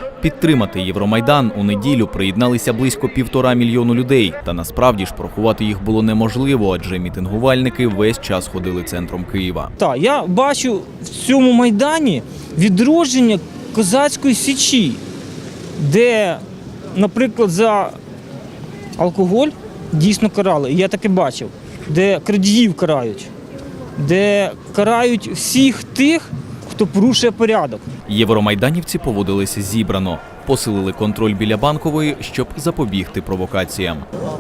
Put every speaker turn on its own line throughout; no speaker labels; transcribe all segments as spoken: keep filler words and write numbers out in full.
Підтримати Євромайдан у неділю приєдналися близько півтора мільйону людей. Та насправді ж порахувати їх було неможливо, адже мітингувальники весь час ходили центром Києва.
Так, я бачу в цьому Майдані відродження козацької січі, де, наприклад, за алкоголь дійсно карали, і я таке бачив, де крадіїв карають, де карають всіх тих, хто порушує порядок.
Євромайданівці поводилися зібрано, посилили контроль біля Банкової, щоб запобігти провокаціям.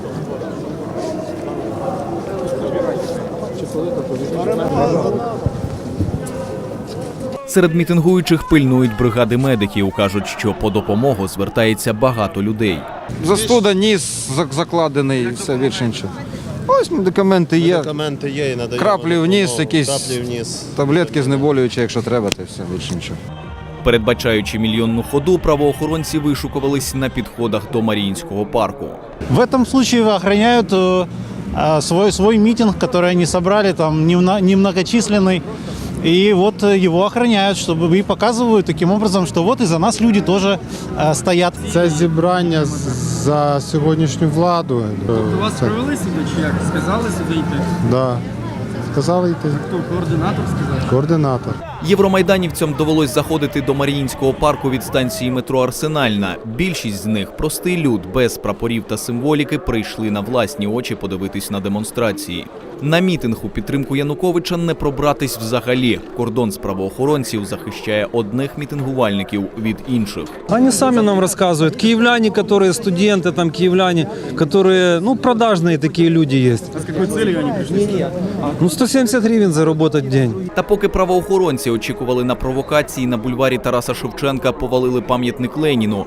Серед мітингуючих пильнують бригади медиків. Кажуть, що по допомогу звертається багато людей.
Застуда, ніс закладений, все більше нічого. Ось медикаменти є.
Медикаменти є і надаємо.
Краплі в ніс, якісь
краплі в ніс.
таблетки знеболюючі, якщо треба, то все більше нічого.
Передбачаючи мільйонну ходу, правоохоронці вишукувались на підходах до Маріїнського парку.
В этом случае охраняют э, свой, свой митинг, который они собрали, там немногочисленный. И вот его охраняют, чтобы и показывают таким образом, что вот и за нас люди тоже э, стоят.
Це зібрання за сьогоднішню владу.
Тобто вас привели сюди чи як? Сказали сюди йти?
Да. Сказали йти.
Хто, координатор сказав?
Координатор.
Євромайданівцям довелось заходити до Маріїнського парку від станції метро «Арсенальна». Більшість з них, простий люд, без прапорів та символіки, прийшли на власні очі подивитись на демонстрації. На мітинг у підтримку Януковича не пробратись взагалі. Кордон з правоохоронців захищає одних мітингувальників від інших.
Они сами нам рассказывают. Киевляне, которые студенты, там киевляне, которые, ну, продажные такие люди есть.
А з якою целью вони прийшли?
Ну, сто семьдесят гривен заработать в день.
Та поки правоохоронці очікували на провокації, на бульварі Тараса Шевченка повалили пам'ятник Леніну.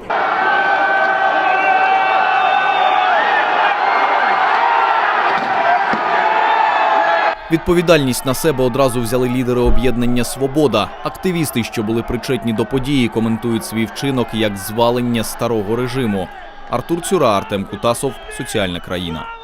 Відповідальність на себе одразу взяли лідери об'єднання «Свобода». Активісти, що були причетні до події, коментують свій вчинок як звалення старого режиму. Артур Цюра, Артем Кутасов, «Соціальна країна».